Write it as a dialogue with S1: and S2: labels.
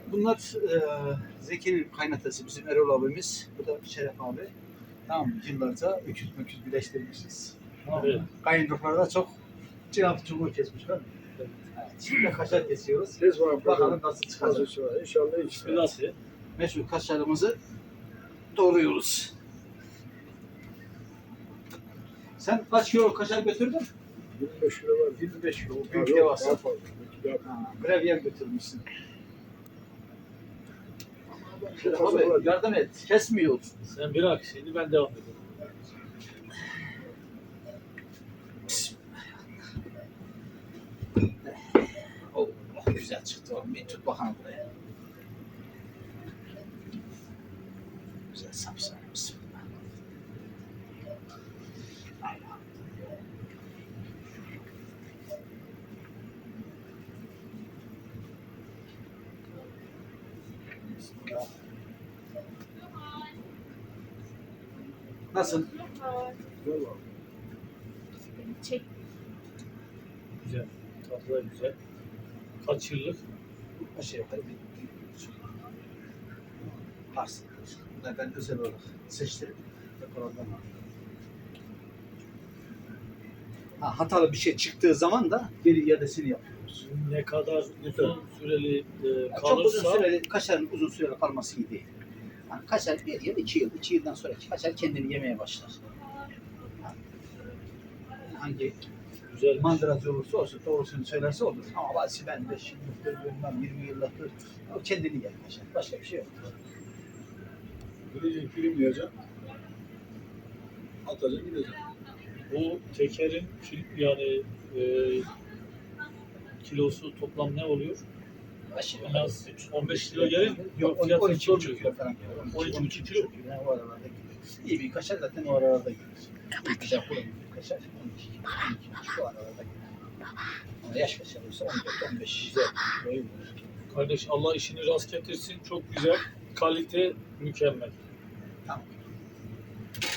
S1: Bunlar Zeki'nin kaynatası, bizim Erol abimiz. Bu da Şeref abi. Tamam, yıllarca öküz güleştirmişiz. Tamam.
S2: Evet.
S1: Kayınruklar da çok cevap çubuğu kesmişler. Evet. Şimdi kaşar kesiyoruz.
S3: Tez var.
S1: Bakalım nasıl çıkacak.
S3: İnşallah hiç.
S2: Nasıl?
S1: Meşhur kaşarımızı doğruyoruz. Sen kaç kilo kaşar götürdün?
S3: 25 kilo var.
S1: 25 kilo.
S3: Ha,
S1: Büyük
S3: yok,
S1: devasa.
S3: daha fazla.
S1: Gravyer götürmüşsün.
S3: Çok fazla var.
S1: Abi yardım et. Kesmiyor.
S2: Sen bırak şimdi ben devam edeyim.
S1: Oh, güzel çıktı oğlum. Bir tut bakalım buraya. Güzel sapsarı. Bismillah. Allah. Bismillah. Nasıl?
S3: Güzel var.
S4: Çek.
S2: Güzel. Tatlı da güzel. Kaç yıllık?
S1: Aşağı yukarı bir Pars. Bunu ben özel olarak seçtim. Depolardan aldım. Hatalı bir şey çıktığı zaman da geri iadesini yapıyoruz.
S2: Ne kadar uzun süreli
S1: Çok uzun
S2: kalırsa
S1: süreli, kaşarın uzun süreli kalması iyi değil. Yani kaşar 1 yıl, 2 yıl, 2 yıldan sonra kaşar kendini yemeye başlar. Yani hangi
S2: güzel.
S1: mandıracı olursa olsun, doğrusunu söylerse olur. Ama bazı ben de şimdi bilmem 20 yıllıktır, o kendini yer kaşar. Başka bir şey yok.
S3: Gidecek film yiyeceğim. Atacak gideceğim.
S2: Bu tekerin yani kilosu toplam ne oluyor?
S1: Aşağı
S2: En az 15 kilo gelir.
S1: Yok,
S2: Fiyatı
S1: 12,5
S2: sormuyor.
S1: kilo falan.
S2: 12,5 kilo.
S1: Yani o aralarda gidiyor. İyi bir kaşar zaten o aralarda gidiyor. Güzel kuru bir kaşar 12 şu aralarda gidiyor. Ama yaş kaşar olsa 14-15 güzel. Böyle
S2: Kardeş Allah işini rast getirsin. Çok güzel. Kalite mükemmel.
S1: Tamam.